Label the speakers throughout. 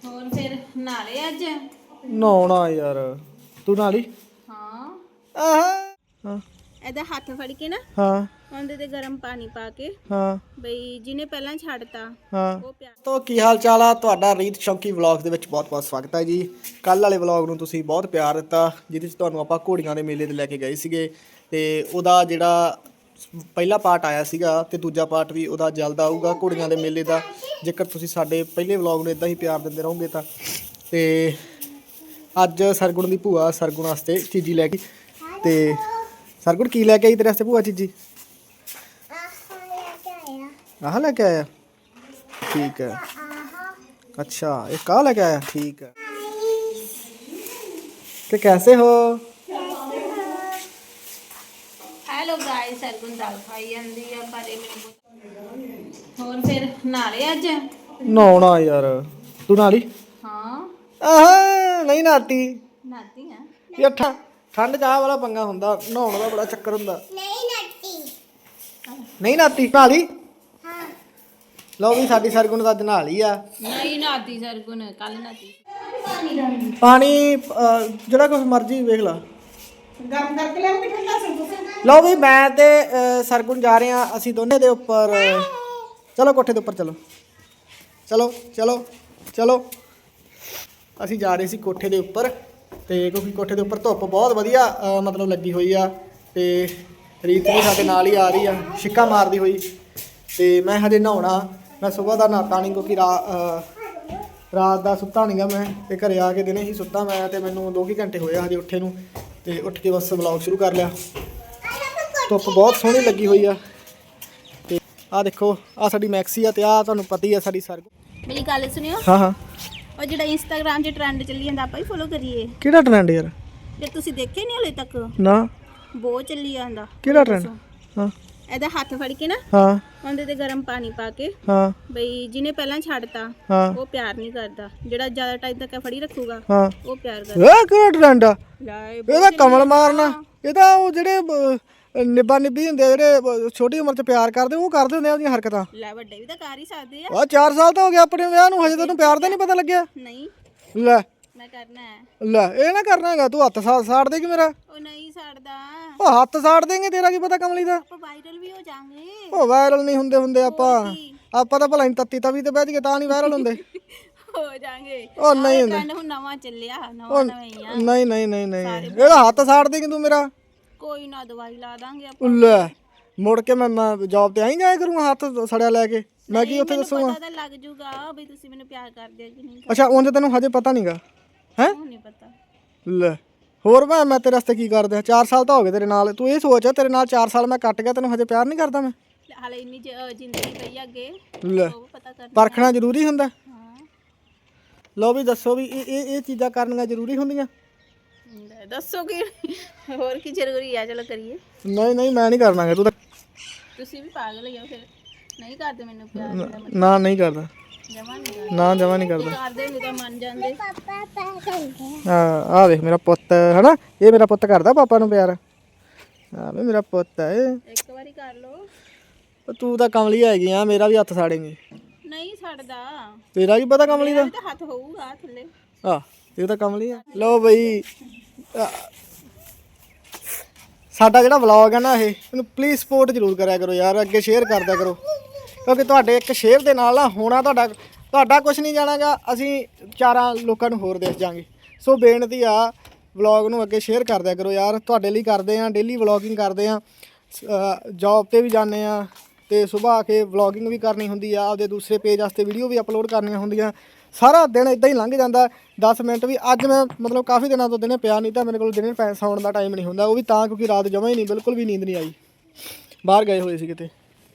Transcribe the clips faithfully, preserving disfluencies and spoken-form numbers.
Speaker 1: ਹੋਰ ਫਿਰ ਨਹਾ ਲਿਆ ਅੱਜ?
Speaker 2: ਨਹਾਉਣਾ ਯਾਰ, ਤੂੰ ਨਹਾ ਲਈ?
Speaker 1: ਹਾਂ।
Speaker 2: ਆਹ ਹਾਂ
Speaker 1: ਇਹਦਾ ਹੱਥ ਫੜ ਕੇ ਨਾ
Speaker 2: ਹਾਂ
Speaker 1: ਉਹਦੇ ਤੇ ਗਰਮ ਪਾਣੀ ਪਾ ਕੇ
Speaker 2: ਹਾਂ
Speaker 1: ਬਈ ਜਿਹਨੇ ਪਹਿਲਾਂ ਛੱਡਤਾ
Speaker 2: ਹਾਂ
Speaker 1: ਉਹ ਪਿਆ।
Speaker 2: ਤੋ ਕੀ ਹਾਲ ਚਾਲ ਆ ਤੁਹਾਡਾ? ਰੀਤ ਸ਼ੌਂਕੀ ਵਲੌਗ ਦੇ ਵਿੱਚ ਬਹੁਤ ਬਹੁਤ ਸਵਾਗਤ ਹੈ ਜੀ। ਕੱਲ੍ਹ ਵਾਲੇ ਵਲੌਗ ਨੂੰ ਤੁਸੀਂ ਬਹੁਤ ਪਿਆਰ ਦਿੱਤਾ, ਜਿਹਦੇ 'ਚ ਤੁਹਾਨੂੰ ਆਪਾਂ ਘੋੜੀਆਂ ਦੇ ਮੇਲੇ ਤੇ ਲੈ ਕੇ ਗਏ ਸੀਗੇ, ਤੇ ਉਹਦਾ ਜਿਹੜਾ ਪਹਿਲਾ ਪਾਰਟ ਆਇਆ ਸੀਗਾ ਤੇ ਦੂਜਾ ਪਾਰਟ ਵੀ ਉਹਦਾ ਜਲਦ ਆਊਗਾ ਘੋੜੀਆਂ ਦੇ ਮੇਲੇ ਦਾ। ਜੇਕਰ ਤੁਸੀਂ ਸਾਡੇ ਪਹਿਲੇ ਵਲੌਗ ਨੂੰ ਇਦਾਂ ਹੀ ਪਿਆਰ ਦਿੰਦੇ ਰਹੋਗੇ ਤਾਂ। ਤੇ ਅੱਜ ਸਰਗੁਣ ਦੀ ਭੂਆ ਸਰਗੁਣ ਵਾਸਤੇ ਚੀਜ਼ੀ ਲੈ ਕੇ, ਤੇ ਸਰਗੁਣ ਕੀ ਲੈ ਕੇ ਆਈ ਤੇਰੇ ਵਾਸਤੇ ਭੂਆ ਚੀਜ਼ੀ? ਆਹ ਲੈ ਕੇ ਆਇਆ, ठीक है। अच्छा एक कहाँ लेके आया? ठीक है। तो कैसे हो?
Speaker 1: ਹੈਲੋ ਗਾਇਸ, ਸਰਗੁਣ ਦਾਲ ਖਾਈ ਜਾਂਦੀ ਆ ਪਰ ਇਹ ਮੈਨੂੰ ਹੋਰ ਫਿਰ ਨਹਾ ਲਿਆ ਅੱਜ?
Speaker 2: नहाना यार, तू नहा ली?
Speaker 1: ਹਾਂ।
Speaker 2: आह नहीं नहाती
Speaker 1: ਨਹਾਤੀ ਆ।
Speaker 2: यार, ठंड ठंड चाह वाला पंगा हुंदा, नहाने का बड़ा चक्कर हुंदा। नहीं नहाती नहीं नहाती नहा ली? लो भी साडी सरगुण दा नहा ली आ।
Speaker 1: ਨਹੀਂ ਨਹਾਤੀ ਸਰਗੁਣ, ਕੱਲ ਨਹਾਤੀ।
Speaker 2: पानी ਜਿਹੜਾ ਕੁਛ ਮਰਜ਼ੀ ਵੇਖ ਲਾ, ਗਰਮ ਕਰਕੇ ਲਿਆਉਂਗੇ ਠੰਡਾ ਸੰਗੂ। ਲਓ ਵੀ ਮੈਂ ਤੇ ਸਰਗੁਣ ਜਾ ਰਹੇ ਆ, ਅਸੀਂ ਦੋਨੇ ਦੇ ਉੱਪਰ। ਚਲੋ ਕੋਠੇ ਦੇ ਉੱਪਰ ਚਲੋ ਚਲੋ ਚਲੋ ਚਲੋ। ਅਸੀਂ ਜਾ ਰਹੇ ਸੀ ਕੋਠੇ ਦੇ ਉੱਪਰ, ਤੇ ਕਿਉਂਕਿ ਕੋਠੇ ਦੇ ਉੱਪਰ ਧੁੱਪ ਬਹੁਤ ਵਧੀਆ ਮਤਲਬ ਲੱਗੀ ਹੋਈ ਆ, ਤੇ ਰੀਤ ਵੀ ਸਾਡੇ ਨਾਲ ਹੀ ਆ ਰਹੀ ਆ ਛਿੱਕਾ ਮਾਰਦੀ ਹੋਈ। ਤੇ ਮੈਂ ਹਜੇ ਨਹਾਉਣਾ, ਮੈਂ ਸਵੇਰ ਦਾ ਨਹਾਤਾ ਨਹੀਂ ਕਿਉਂਕਿ ਰਾ ਰਾਤ ਦਾ ਸੁੱਤਾ ਨਹੀਂ ਗਾ ਮੈਂ, ਤੇ ਘਰੇ ਆ ਕੇ ਦਿਨੇ ਹੀ ਸੁੱਤਾ ਮੈਂ, ਤੇ ਮੈਨੂੰ ਦੋ ਕੁ ਘੰਟੇ ਹੋਏ ਹਜੇ ਉੱਠੇ ਨੂੰ, ਤੇ ਉੱਠ ਕੇ ਬਸ ਵਲੌਗ ਸ਼ੁਰੂ ਕਰ ਲਿਆ। ਧੁੱਪ ਬਹੁਤ ਸੋਹਣੀ ਲੱਗੀ ਹੋਈ ਆ। ਤੇ ਆਹ ਦੇਖੋ, ਆਹ ਸਾਡੀ ਮੈਕਸੀ ਆ, ਤੇ ਆਹ ਤੁਹਾਨੂੰ ਪਤਾ ਹੀ ਆ ਸਾਡੀ ਸਰਗੁਣ।
Speaker 1: ਮੇਰੀ ਗੱਲ ਸੁਣਿਓ।
Speaker 2: ਹਾਂ ਹਾਂ।
Speaker 1: ਉਹ ਜਿਹੜਾ ਇੰਸਟਾਗ੍ਰਾਮ 'ਚ ਟ੍ਰੈਂਡ ਚੱਲੀ ਜਾਂਦਾ ਆਪਾਂ ਹੀ ਫੋਲੋ ਕਰੀਏ।
Speaker 2: ਕਿਹੜਾ ਟ੍ਰੈਂਡ ਯਾਰ?
Speaker 1: ਜੇ ਤੁਸੀਂ ਦੇਖੇ ਨਹੀਂ ਹਲੇ ਤੱਕ,
Speaker 2: ਨਾ
Speaker 1: ਬਹੁਤ ਚੱਲੀ ਜਾਂਦਾ।
Speaker 2: ਕਿਹੜਾ ਟ੍ਰੈਂਡ? ਹਾਂ
Speaker 1: ਇਹਦਾ ਹੱਥ ਫੜ ਕੇ ਨਾ
Speaker 2: ਹਾਂ
Speaker 1: ਉਹਦੇ ਤੇ ਗਰਮ ਪਾਣੀ ਪਾ ਕੇ
Speaker 2: ਹਾਂ
Speaker 1: ਬਈ ਜਿਹਨੇ ਪਹਿਲਾਂ ਛੱਡਤਾ
Speaker 2: ਹਾਂ
Speaker 1: ਉਹ ਪਿਆਰ ਨਹੀਂ ਕਰਦਾ, ਜਿਹੜਾ ਜ਼ਿਆਦਾ ਟਾਈਮ ਤੱਕ ਫੜੀ ਰੱਖੂਗਾ
Speaker 2: ਹਾਂ।
Speaker 1: ਉਹ ਪਿਆਰ ਕਰਦਾ।
Speaker 2: ਇਹ ਕਿਹੜਾ ਟ੍ਰੈਂਡ ਆ?
Speaker 1: ਲੈ
Speaker 2: ਇਹਦਾ ਕਮਲ ਮਾਰਨਾ, ਇਹਦਾ ਉਹ ਜਿਹੜੇ ਅਹ, ਨਿੱਬਾ ਨਿੱਬੀ ਹੁੰਦੇ ਆ, ਜਿਹੜੇ ਅਹ, ਛੋਟੀ ਉਮਰ 'ਚ ਪਿਆਰ ਕਰਦੇ, ਉਹ ਕਰਦੇ ਹੁੰਦੇ ਆ ਉਹਦੀਆਂ ਹਰਕਤਾਂ।
Speaker 1: ਲੈ ਵੱਡੇ ਵੀ ਤਾਂ ਕਰ ਹੀ ਸਕਦੇ ਆ।
Speaker 2: ਆ ਚਾਰ ਸਾਲ ਤਾਂ ਹੋ ਗਿਆ ਆਪਣੇ ਵਿਆਹ ਨੂੰ, ਹਜੇ ਤੈਨੂੰ ਪਿਆਰ ਦਾ ਨਹੀਂ ਪਤਾ ਲੱਗਿਆ?
Speaker 1: ਨਹੀਂ
Speaker 2: ਲੈ
Speaker 1: ਮੈਂ ਕਰਨਾ ਹੈ।
Speaker 2: ਲੈ ਇਹ ਨਾ ਕਰਨਾ ਹੈਗਾ, ਤੂੰ ਹੱਥ ਸਾ ਸਾੜ ਦੇਗੀ ਮੇਰਾ।
Speaker 1: ਉਹ ਨਹੀਂ ਛੱਡਦਾ,
Speaker 2: ਉਹ ਹੱਥ ਸਾੜ ਦੇਂਗੇ, ਤੇਰਾ ਕੀ ਪਤਾ ਕਮਲੀ ਦਾ?
Speaker 1: ਆਪਾਂ ਵਾਇਰਲ ਵੀ ਹੋ ਜਾਾਂਗੇ।
Speaker 2: ਉਹ ਵਾਇਰਲ ਨਹੀਂ ਹੁੰਦੇ ਹੁੰਦੇ ਆਪਾਂ ਆਪਾਂ ਤਾਂ ਭਲਾ ਤੱਤੀ ਤਵੀ ਤੇ ਬਹਿ ਜਗੇ ਤਾਂ ਨਹੀਂ ਵਾਇਰਲ ਹੁੰਦੇ।
Speaker 1: ਹੋ ਜਾਾਂਗੇ।
Speaker 2: ਉਹ ਨਹੀਂ ਹੁੰਦੇ।
Speaker 1: ਟ੍ਰੈਂਡ ਹੁਣ ਨਵਾਂ ਚੱਲਿਆ, ਨਵਾਂ ਨਵਾਂ ਹੀ ਆ।
Speaker 2: ਨਹੀਂ ਨਹੀਂ ਨਹੀਂ ਨਹੀਂ, ਇਹਦਾ ਹੱਥ ਸਾੜ ਦੇਂਗੀ ਤੂੰ ਮੇਰਾ।
Speaker 1: ਕੋਈ ਨਾ ਦਵਾਈ ਲਾ ਦਾਂਗੇ ਆਪਾਂ।
Speaker 2: ਲੈ ਮੁੜ ਕੇ ਮੈਂ ਮੈਂ ਜੌਬ ਤੇ ਆਈ ਜਾਇਆ ਕਰੂੰਗਾ ਹੱਥ ਸੜਿਆ ਲੈ ਕੇ, ਮੈਂ ਕੀ ਉੱਥੇ ਦੱਸੂਗਾ?
Speaker 1: ਪਤਾ ਤਾਂ ਲੱਗ ਜੂਗਾ ਵੀ ਤੁਸੀਂ ਮੈਨੂੰ ਪਿਆਰ ਕਰਦੇ ਹੋ ਕਿ ਨਹੀਂ।
Speaker 2: ਅੱਛਾ ਉਂਝ ਤੈਨੂੰ ਹਜੇ ਪਤਾ ਨਹੀਂਗਾ ਹੈ?
Speaker 1: ਉਹ ਨਹੀਂ ਪਤਾ।
Speaker 2: ਲੈ ਹੋਰ ਮੈਂ ਮੈਂ ਤੇਰੇ ਵਾਸਤੇ ਕੀ ਕਰਦਾ? ਚਾਰ ਸਾਲ ਤਾਂ ਹੋ ਗਏ ਤੇਰੇ ਨਾਲ, ਤੂੰ ਇਹ ਸੋਚ ਤੇਰੇ ਨਾਲ ਚਾਰ ਸਾਲ ਮੈਂ ਕੱਟ ਗਿਆ, ਤੈਨੂੰ ਹਜੇ ਪਿਆਰ ਨਹੀਂ ਕਰਦਾ ਮੈਂ?
Speaker 1: ਹਾਲੇ ਇੰਨੀ ਜ- ਜ਼ਿੰਦਗੀ ਪਈ ਅੱਗੇ,
Speaker 2: ਲੈ
Speaker 1: ਉਹ ਪਤਾ ਕਰ।
Speaker 2: ਪਰਖਣਾ ਜ਼ਰੂਰੀ ਹੁੰਦਾ?
Speaker 1: ਹਾਂ
Speaker 2: ਲਓ ਵੀ ਦੱਸੋ ਵੀ ਇਹ ਇਹ ਇਹ ਚੀਜ਼ਾਂ ਕਰਨੀਆਂ ਜ਼ਰੂਰੀ ਹੁੰਦੀਆਂ?
Speaker 1: ਲੈ ਦੱਸੋ ਕੀ ਹੋਰ ਕੀ ਜ਼ਰੂਰੀ ਆ, ਚਲੋ ਕਰੀਏ।
Speaker 2: ਨਹੀਂ ਨਹੀਂ ਮੈਂ ਨਹੀਂ ਕਰਨਾਗਾ, ਤੂੰ ਤਾਂ
Speaker 1: ਤੁਸੀਂ ਵੀ ਪਾਗਲ ਹੀ ਹੋ ਫਿਰ, ਨਹੀਂ ਕਰਦੇ ਮੈਨੂੰ ਪਿਆਰ।
Speaker 2: ਨਾ ਨਹੀਂ ਕਰਦਾ,
Speaker 1: ਜਮਾ ਨਹੀਂ ਕਰਦੇ।
Speaker 2: ਨਾ ਜਮਾ ਨਹੀਂ ਕਰਦਾ।
Speaker 1: ਕਰਦੇ ਹੁੰਦੇ ਤਾਂ ਮੰਨ ਜਾਂਦੇ।
Speaker 2: ਹਾਂ ਆਹ ਦੇਖ ਮੇਰਾ ਪੁੱਤ ਹਨਾ, ਇਹ ਮੇਰਾ ਪੁੱਤ ਕਰਦਾ ਪਾਪਾ ਨੂੰ ਪਿਆਰ। ਹਾਂ ਵੀ ਮੇਰਾ ਪੁੱਤ ਹੈ ਇਹ।
Speaker 1: ਇੱਕ ਵਾਰੀ ਕਰ ਲੋ।
Speaker 2: ਤੂੰ ਤਾਂ ਕਮਲੀ ਹੈਗੀ ਆ, ਮੇਰਾ ਵੀ ਹੱਥ ਸਾੜੇਂਗੀ।
Speaker 1: ਨਹੀਂ ਛੱਡਦਾ,
Speaker 2: ਤੇਰਾ ਕੀ ਪਤਾ ਕਮਲੀ ਦਾ?
Speaker 1: ਵੀ ਤਾਂ ਹੱਥ ਹੋਊਗਾ ਥੱਲੇ।
Speaker 2: ਆ ਇਹ ਤਾਂ ਕਮਲੀ ਆ। ਲਓ ਬਈ ਸਾਡਾ ਜਿਹੜਾ ਵਲੌਗ ਹੈ ਨਾ, ਇਹ ਇਹਨੂੰ ਪਲੀਜ਼ ਸਪੋਰਟ ਜ਼ਰੂਰ ਕਰਿਆ ਕਰੋ ਯਾਰ, ਅੱਗੇ ਸ਼ੇਅਰ ਕਰਦਿਆ ਕਰੋ, ਕਿਉਂਕਿ ਤੁਹਾਡੇ ਇੱਕ ਸ਼ੇਅਰ ਦੇ ਨਾਲ ਨਾ ਹੋਣਾ ਤੁਹਾਡਾ ਤੁਹਾਡਾ ਕੁਝ ਨਹੀਂ ਜਾਣਾਗਾ, ਅਸੀਂ ਚਾਰਾਂ ਲੋਕਾਂ ਨੂੰ ਹੋਰ ਦੇਖ ਜਾਾਂਗੇ। ਸੋ ਬੇਨਤੀ ਆ ਵਲੌਗ ਨੂੰ ਅੱਗੇ ਸ਼ੇਅਰ ਕਰਦਿਆ ਕਰੋ ਯਾਰ, ਤੁਹਾਡੇ ਲਈ ਕਰਦੇ ਆ, ਡੇਲੀ ਵਲੌਗਿੰਗ ਕਰਦੇ ਆ, ਜੌਬ 'ਤੇ ਵੀ ਜਾਂਦੇ ਆ, ਤੇ ਸੁਬਾਹ ਆ ਕੇ ਵਲੌਗਿੰਗ ਵੀ ਕਰਨੀ ਹੁੰਦੀ ਆ, ਆਪਦੇ ਦੂਸਰੇ ਪੇਜ ਵਾਸਤੇ ਵੀਡੀਓ ਵੀ ਅਪਲੋਡ ਕਰਨੀਆਂ ਹੁੰਦੀਆਂ। ਸਾਰਾ ਦਿਨ ਇਦਾਂ ਹੀ ਲੰਘ ਜਾਂਦਾ, ਦਸ ਮਿੰਟ ਵੀ। ਅੱਜ ਮੈਂ ਮਤਲਬ ਕਾਫੀ ਦਿਨਾਂ ਤੋਂ ਦਿਨੇ ਪਿਆ, ਨਹੀਂ ਤਾਂ ਮੇਰੇ ਕੋਲ ਦਿਨੇ ਪੈ ਸੌਣ ਦਾ ਟਾਈਮ ਨਹੀਂ ਹੁੰਦਾ, ਉਹ ਵੀ ਤਾਂ ਕਿਉਂਕਿ ਰਾਤ ਜਮਾਂ ਹੀ ਨਹੀਂ, ਬਿਲਕੁਲ ਵੀ ਨੀਂਦ ਨਹੀਂ ਆਈ, ਬਾਹਰ ਗਏ ਹੋਏ ਸੀ ਕਿਤੇ।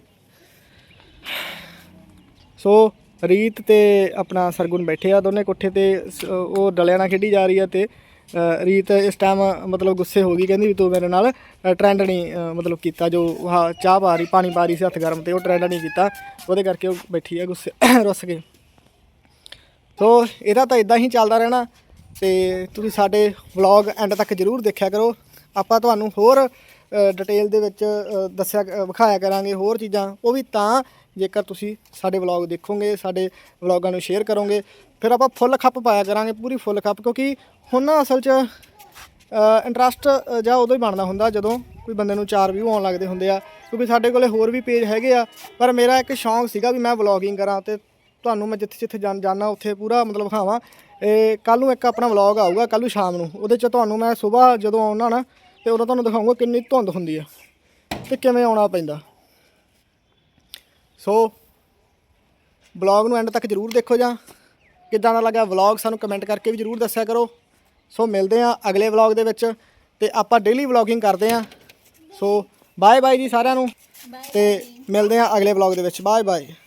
Speaker 2: ਸੋ ਰੀਤ ਤੇ ਆਪਣਾ ਸਰਗੁਣ ਬੈਠੇ ਆ ਦੋਨੇ ਕੋਠੇ ਤੇ, ਉਹ ਡਲਿਆਂ ਨਾਲ ਖੇਡੀ ਜਾ ਰਹੀ ਆ, ਤੇ ਰੀਤ ਇਸ ਟਾਈਮ ਮਤਲਬ ਗੁੱਸੇ ਹੋ ਗਈ, ਕਹਿੰਦੀ ਵੀ ਤੂੰ ਮੇਰੇ ਨਾਲ ਟਰੈਂਡ ਨਹੀਂ ਮਤਲਬ ਕੀਤਾ, ਜੋ ਆਹ ਚਾਹ ਪਾ ਰਹੀ ਪਾਣੀ ਪਾ ਰਹੀ ਸੀ ਹੱਥ ਗਰਮ, ਤੇ ਉਹ ਟਰੈਂਡ ਨਹੀਂ ਕੀਤਾ, ਉਹਦੇ ਕਰਕੇ ਉਹ ਬੈਠੀ ਆ ਗੁੱਸੇ ਰੁੱਸ ਕੇ। ਸੋ ਇਹਦਾ ਤਾਂ ਇਦਾਂ ਹੀ ਚੱਲਦਾ ਰਹਿਣਾ, ਤੇ ਤੁਸੀਂ ਸਾਡੇ ਵਲੌਗ ਐਂਡ ਤੱਕ ਜ਼ਰੂਰ ਦੇਖਿਆ ਕਰੋ। ਆਪਾਂ ਤੁਹਾਨੂੰ ਹੋਰ ਡਿਟੇਲ ਦੇ ਵਿੱਚ ਦੱਸਿਆ ਵਿਖਾਇਆ ਕਰਾਂਗੇ ਹੋਰ ਚੀਜ਼ਾਂ, ਉਹ ਵੀ ਤਾਂ ਜੇਕਰ ਤੁਸੀਂ ਸਾਡੇ ਵਲੌਗ ਦੇਖੋਗੇ, ਸਾਡੇ ਵਲੌਗਾਂ ਨੂੰ ਸ਼ੇਅਰ ਕਰੋਗੇ, ਫਿਰ ਆਪਾਂ ਫੁੱਲ ਖੱਪ ਪਾਇਆ ਕਰਾਂਗੇ, ਪੂਰੀ ਫੁੱਲ ਖੱਪ, ਕਿਉਂਕਿ ਹੁਣ ਨਾ ਅਸਲ 'ਚ ਇੰਟਰਸਟ ਜਾਂ ਉਦੋਂ ਹੀ ਬਣਦਾ ਹੁੰਦਾ ਜਦੋਂ ਕੋਈ ਬੰਦੇ ਨੂੰ ਚਾਰ ਵਿਊ ਆਉਣ ਲੱਗਦੇ ਹੁੰਦੇ ਆ, ਕਿਉਂਕਿ ਸਾਡੇ ਕੋਲੇ ਹੋਰ ਵੀ ਪੇਜ ਹੈਗੇ ਆ, ਪਰ ਮੇਰਾ ਇੱਕ ਸ਼ੌਂਕ ਸੀਗਾ ਵੀ ਮੈਂ ਵਲੌਗਿੰਗ ਕਰਾਂ ਅਤੇ ਤੁਹਾਨੂੰ ਮੈਂ ਜਿੱਥੇ ਜਿੱਥੇ ਜਾਣ ਜਾਣਾ ਉੱਥੇ ਪੂਰਾ ਮਤਲਬ ਵਿਖਾਵਾਂ। ਇਹ ਕੱਲ੍ਹ ਨੂੰ ਇੱਕ ਆਪਣਾ ਵਲੌਗ ਆਊਗਾ ਕੱਲ੍ਹ ਨੂੰ ਸ਼ਾਮ ਨੂੰ, ਉਹਦੇ 'ਚ ਤੁਹਾਨੂੰ ਮੈਂ ਸੁਬਾਹ ਜਦੋਂ ਆਉਣਾ ਨਾ ਅਤੇ ਉਦੋਂ ਤੁਹਾਨੂੰ ਦਿਖਾਊਂਗਾ ਕਿੰਨੀ ਧੁੰਦ ਹੁੰਦੀ ਆ ਅਤੇ ਕਿਵੇਂ ਆਉਣਾ ਪੈਂਦਾ। ਸੋ ਵਲੌਗ ਨੂੰ ਐਂਡ ਤੱਕ ਜ਼ਰੂਰ ਦੇਖੋ, ਜਾਂ ਕਿੱਦਾਂ ਦਾ ਲੱਗਾ ਵਲੌਗ ਸਾਨੂੰ ਕਮੈਂਟ ਕਰਕੇ ਵੀ ਜ਼ਰੂਰ ਦੱਸਿਆ ਕਰੋ। ਸੋ ਮਿਲਦੇ ਹਾਂ ਅਗਲੇ ਵਲੌਗ ਦੇ ਵਿੱਚ, ਅਤੇ ਆਪਾਂ ਡੇਲੀ ਵਲੌਗਿੰਗ ਕਰਦੇ ਹਾਂ। ਸੋ ਬਾਏ ਬਾਏ ਜੀ ਸਾਰਿਆਂ ਨੂੰ, ਅਤੇ ਮਿਲਦੇ ਹਾਂ ਅਗਲੇ ਵਲੌਗ ਦੇ ਵਿੱਚ। Bye bye.